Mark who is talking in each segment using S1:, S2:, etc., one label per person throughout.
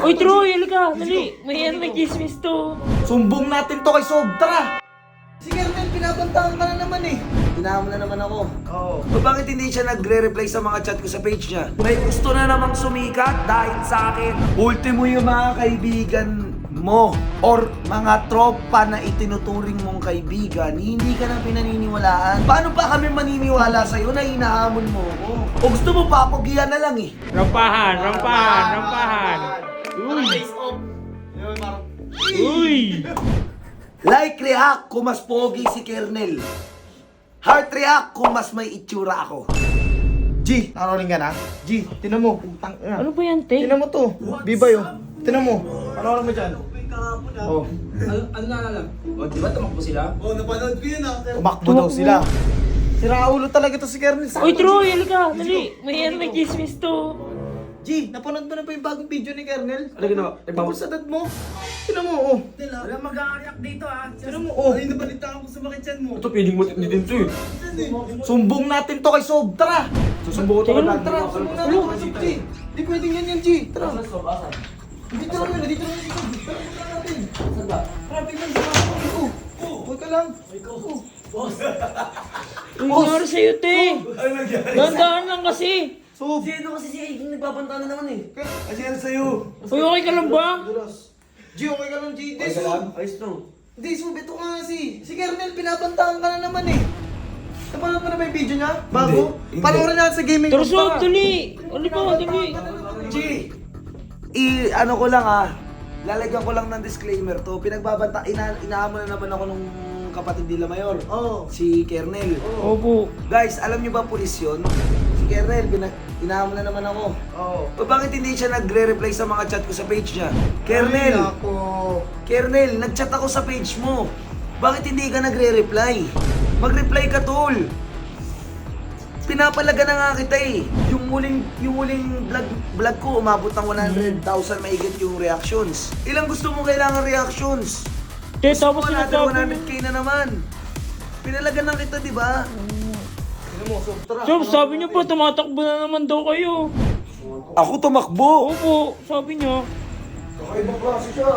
S1: Uy, Troy, halika. Dali. May chismis to.
S2: Sumbong natin to kay Sob. Tara! Si Kernel, pinabantahan ka na naman eh. Tinahan mo na naman ako. Oo. Bakit hindi siya nagre-reply sa mga chat ko sa page niya? May gusto na namang sumikat dahil sa akin. Ultimo yung mga kaibigan mo or mga tropa na itinuturing mong kaibigan, hindi ka na pinaniniwalaan. Paano pa kami maniniwala sa'yo na hinahamon mo ako? O gusto mo papagiyan na lang eh?
S1: Rampahan. Uy!
S2: Like react kung mas pogi si Kernel. Heart react kung mas may itsura ako.
S3: G, naroling ka na? G, tinan mo. Putang ina.
S1: Ano ba yan, te?
S3: Tinan mo to. Bibay oh. Tinan mo. Ano mo dyan? Oh.
S4: Ano naalala? O, di ba tumakbo sila?
S3: Umakbo daw sila. Siraulo talaga to si Kernel.
S1: Uy, Troy, halika. Dali. May chismis to.
S3: G, napanood mo na ba yung bagong video ni Kernel?
S2: Ano ginawa?
S3: Tungkol sa dad mo. Tinan mo oh.
S4: Wala mag-a-react dito ah.
S3: Tinan mo oh.
S2: Ito piling mo din to eh. Sumbong natin to kay Sob. Tara! Susumbong ko to kay Sob.
S3: Tara, sumbong natin to kay Sob, G. Di pwedeng yan, G. Tara. Dito lang yun, dito lang yun. Tara natin. Saan ba? Tara, tingnan sa mga ko. Huwag ka lang.
S1: Uy, nangyari sa'yo, te. Dandaan lang kasi.
S3: Sob.
S2: Sino kasi siya yung nagbabanta na naman eh? Kasi yan sa'yo.
S1: Uy, okay ka lang ba?
S3: G, okay ka lang, G. Hindi,
S2: Okay ka
S3: Sob.
S2: lang? Ayos lang.
S3: Hindi, Sob. Ito nga si Kernel, pinabantahan ka na naman eh. Napanood mo na ba yung video niya? Bago?
S2: Hindi.
S3: Panoorin natin sa gaming
S1: Pero
S3: room,
S1: Sob,
S3: tara.
S1: dali. Halika, dali.
S2: G! Ano ko lang lalagyan ko lang ng disclaimer to. Pinagbabanta, inaamo na naman ako nung kapatid nila Mayor.
S3: Oo.
S2: Si Kernel.
S1: Opo.
S2: Guys, alam niyo ba pulis yun? Si Kernel, inaamo na naman ako.
S3: Oo.
S2: O bakit hindi siya nagre-reply sa mga chat ko sa page niya?
S3: Ay,
S2: Kernel!
S3: ako.
S2: Kernel, nag-chat ako sa page mo. Bakit hindi ka nagre-reply? Mag-reply ka, tol. Pinapalaga na nga kita eh. Yung huling vlog ko, umabot ng 100,000 maigit yung reactions. Ilang gusto mo kailangan reactions?
S1: Te,
S2: Gusto
S1: tapos
S2: mo natin
S1: sinasabi mo.
S2: 100k na naman. Pinalaga na kita, di ba?
S3: Ano mo, Sob, tara.
S1: Sob, sabi niyo po, tumatakbo na naman daw kayo.
S2: Ako tumakbo.
S1: Opo, sabi niyo.
S2: Kakaibang klase siya.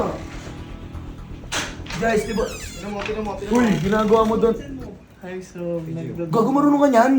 S2: Guys, di ba?
S3: Tinan mo.
S2: Uy, ginagawa mo doon.
S3: Hi, Sob.
S2: Gago, marunong ka niyan.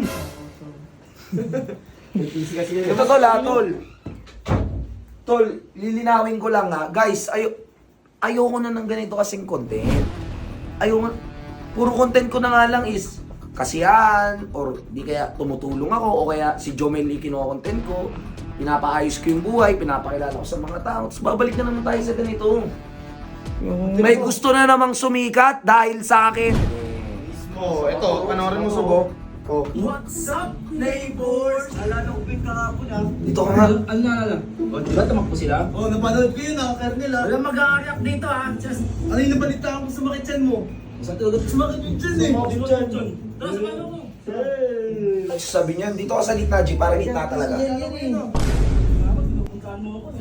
S2: Ito tol ha, tol. Tol, lilinawin ko lang ha. Guys, ayoko na ng ganito kasing content. Puro content ko na nga lang is kasiyahan, or di kaya tumutulong ako, o kaya si Jomel Lee kinuha-content ko, pinapaayos ko yung buhay, pinapakilala ko sa mga tao, tapos babalik na naman tayo sa ganito. May gusto na namang sumikat dahil sa akin.
S3: Oh, eto, panoorin mo, Sob. Oh.
S4: What's up, neighbors? Alala ko yung kahapon ah.
S2: Dito ka nga.
S4: Ano naalala? O, di ba tumakbo sila?
S3: Oh, napanood ko yun Kernel
S4: Wala mag-a-react dito ah. Just,
S3: Ano yung nabalitaan ko sa makitsan mo?
S4: saan talaga?
S3: Sumakit yung dyan eh.
S4: Tara, samahan mo.
S2: Sabi niya, dito ka sa gitna, G, para gitna talaga.
S4: Pinupuntahan mo ako.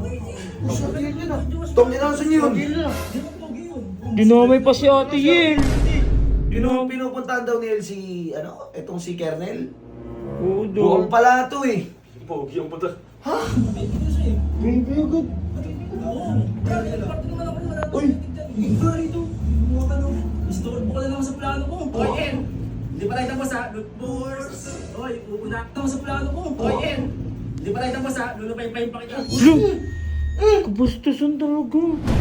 S2: Tong, inasan niyo yun?
S1: Dinamay pa si Ate Yel.
S2: Pinupuntahan daw ni El si, etong si Kernel.
S1: Oo,
S2: Buong
S1: daw.
S2: pala to eh.
S4: Uy! Dito! Istorbo ka na naman sa plano ko. Hoy, En! Hindi pa tayo tapos ha? Lootboards! Hoy, uunak naman sa plano ko. Hoy, En! Hindi pa tayo tapos ha? Lulupay-pay pa kita.
S1: Kabastusan talaga.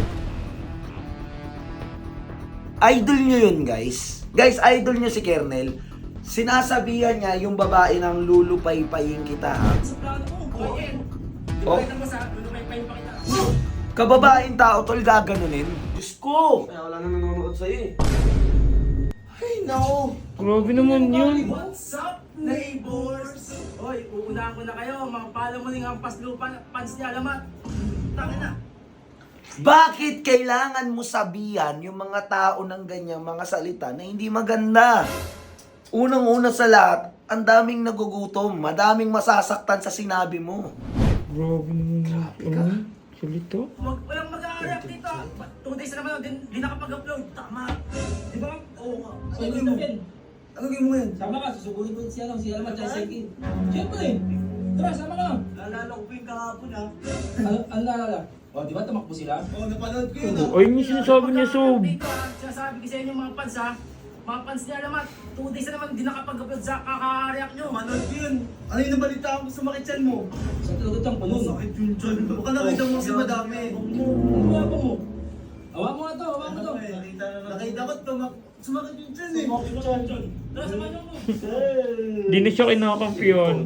S2: Idol nyo yun, guys. Guys, idol nyo si Kernel. Sinasabihan niya yung babae ng lulupay-payin kita, ha?
S4: Sa plano ko. Hoy, En! Hindi pa
S2: Oh.
S4: tayo tapos ha? Lulupay-pay pa kita.
S2: Kababaeng tao, tol, gaganunin. Diyos ko!
S3: Kaya wala na nanonood sa'yo eh. Ay, nako.
S1: Grabe naman yun.
S4: What's up, neighbors? Hoy, uunahan ko na kayo. Mga pala mo ang paslupan, pants niya, alamat. Tangin na.
S2: Bakit kailangan mo sabihan yung mga tao ng ganyang mga salita na hindi maganda? Unang-una sa lahat, ang daming nagugutom, madaming masasaktan sa sinabi mo.
S1: Grabe naman. Grabe ka. Salita.
S4: Walang mag-a-react dito. 2 days na naman, di nakapag-upload. Tama. Di ba? Oo nga.
S3: Ano gawin mo? Ano gawin mo yan?
S4: Sama ka, susugurin mo si Alamat, tsaka si King. Siyempre. Tara, sama ka. Naalala ko pa yung kahapon ha. Ano naalala? O, di ba tumakbo sila?
S3: Oo, napanood ko yun ah.
S1: Ay, yung sinasabi niya, Sob.
S4: Dito ah, sinasabi ko sa inyo mga fans ha. Mga fans niya naman, 2 days na naman hindi nakapag-upload sa kaka-react nyo.
S3: Manood ko yun. Ano yung nabalitaan ko sa makitsan mo?
S4: Sa tulutang ko nun.
S3: Sakit yung tiyan. Baka nakita mo kasi madami.
S4: Ano ba mo? Awa mo nga to, awa mo to.
S3: Nakita ko, sumakit yung tiyan eh.
S4: Tara, samahan niyo ko.
S1: Di na siya kinakampiyon.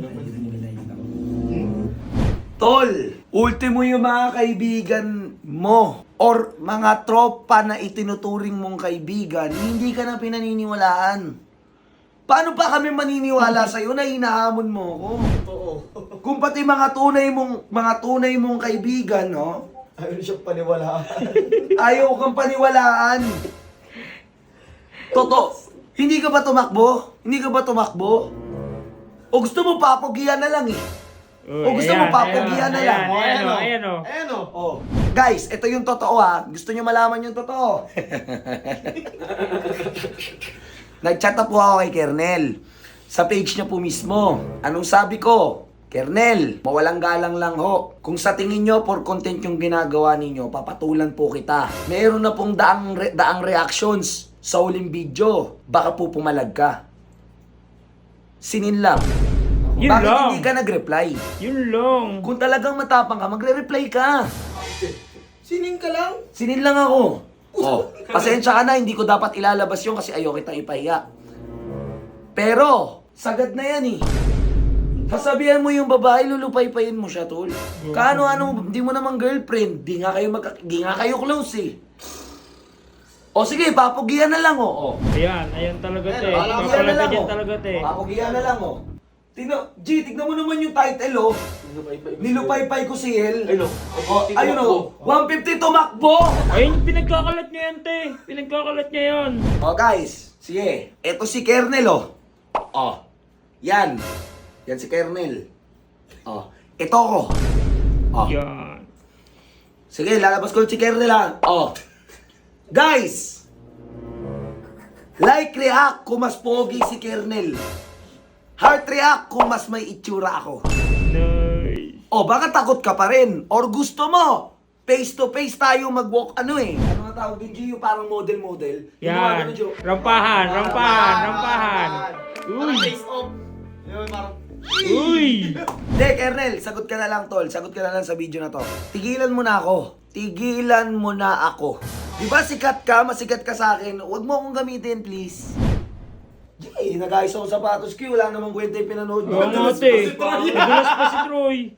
S2: Tol, ultimo yung mga kaibigan mo or mga tropa na itinuturing mong kaibigan, hindi ka na pinaniniwalaan. Paano pa kami maniniwala sa'yo na hinahamon mo ko?
S3: Oo.
S2: Kung pati mga tunay mong kaibigan, no?
S3: Ayaw siya paniwalaan.
S2: Ayaw kang paniwalaan. Hindi ka ba tumakbo? Hindi ka ba tumakbo? O gusto mo papogian na lang eh? O gusto mo papogian na lang?
S1: Ayan o.
S3: Ayan o.
S2: Oh. Guys, ito yung totoo ha. Gusto nyo malaman yung totoo. Nag-chat na po ako kay Kernel. Sa page niya po mismo. Anong sabi ko? Kernel, mawalang galang lang ho. Kung sa tingin nyo for content yung ginagawa ninyo, papatulan po kita. Meron na pong daang reactions sa huling video. Baka po pumalag ka. Sinin lang.
S1: Yun
S2: Bakit
S1: lang.
S2: hindi ka nag-reply?
S1: Yun lang.
S2: Kung talagang matapang ka, magre-reply ka.
S3: Sining ka lang?
S2: Sinin lang ako. Oh, pasensya ka na, hindi ko dapat ilalabas yun kasi ayaw kitang ipahiya. Pero, sagad na yan eh. Sasabihan mo yung babae, lulupay-payin mo siya, tol. Kaano-ano, di mo naman girlfriend. Di nga kayo close eh. O sige, papugian na lang oh.
S1: Ayan talaga te.
S2: Papugian na
S1: Papalaga
S2: lang
S1: dyan
S2: oh.
S1: talaga te.
S2: Papugian na lang oh. Tignan mo naman yung title oh. Nilupay-pay ko si Hel. Ayun oh. 150 tumakbo!
S1: Ayun, pinagkakalat niya yan te. Pinagkakalat niya yan.
S2: Oh guys, sige. Ito si Kernel oh. Oh. Yan. Yan si Kernel. Oh. Ito ko. Oh.
S1: Yan.
S2: Sige, lalabas ko si Kernel ha. Oh. Guys! Like react kung mas pogi si Kernel. Heart react kung mas may itsura ako.
S1: Nice.
S2: O baka takot ka pa rin. Or gusto mo, face to face tayo mag-walk, ano eh. Ano nga tawag din, Gio? Parang model-model. Yung mga
S1: Yan.
S2: ganun, Gio.
S1: Rampahan. Uy.
S3: Face off. Yun, parang...
S1: Uy.
S2: Hindi, Kernel, sagot ka na lang, tol. Sagot ka na lang sa video na to. Tigilan mo na ako. Di ba sikat ka, masikat ka sa akin? Huwag mo akong gamitin, please. Nag-ayos ako sapatos ko. Wala namang kwenta yung pinanood mo.
S1: Oo nga te. Nagulas pa si Troy.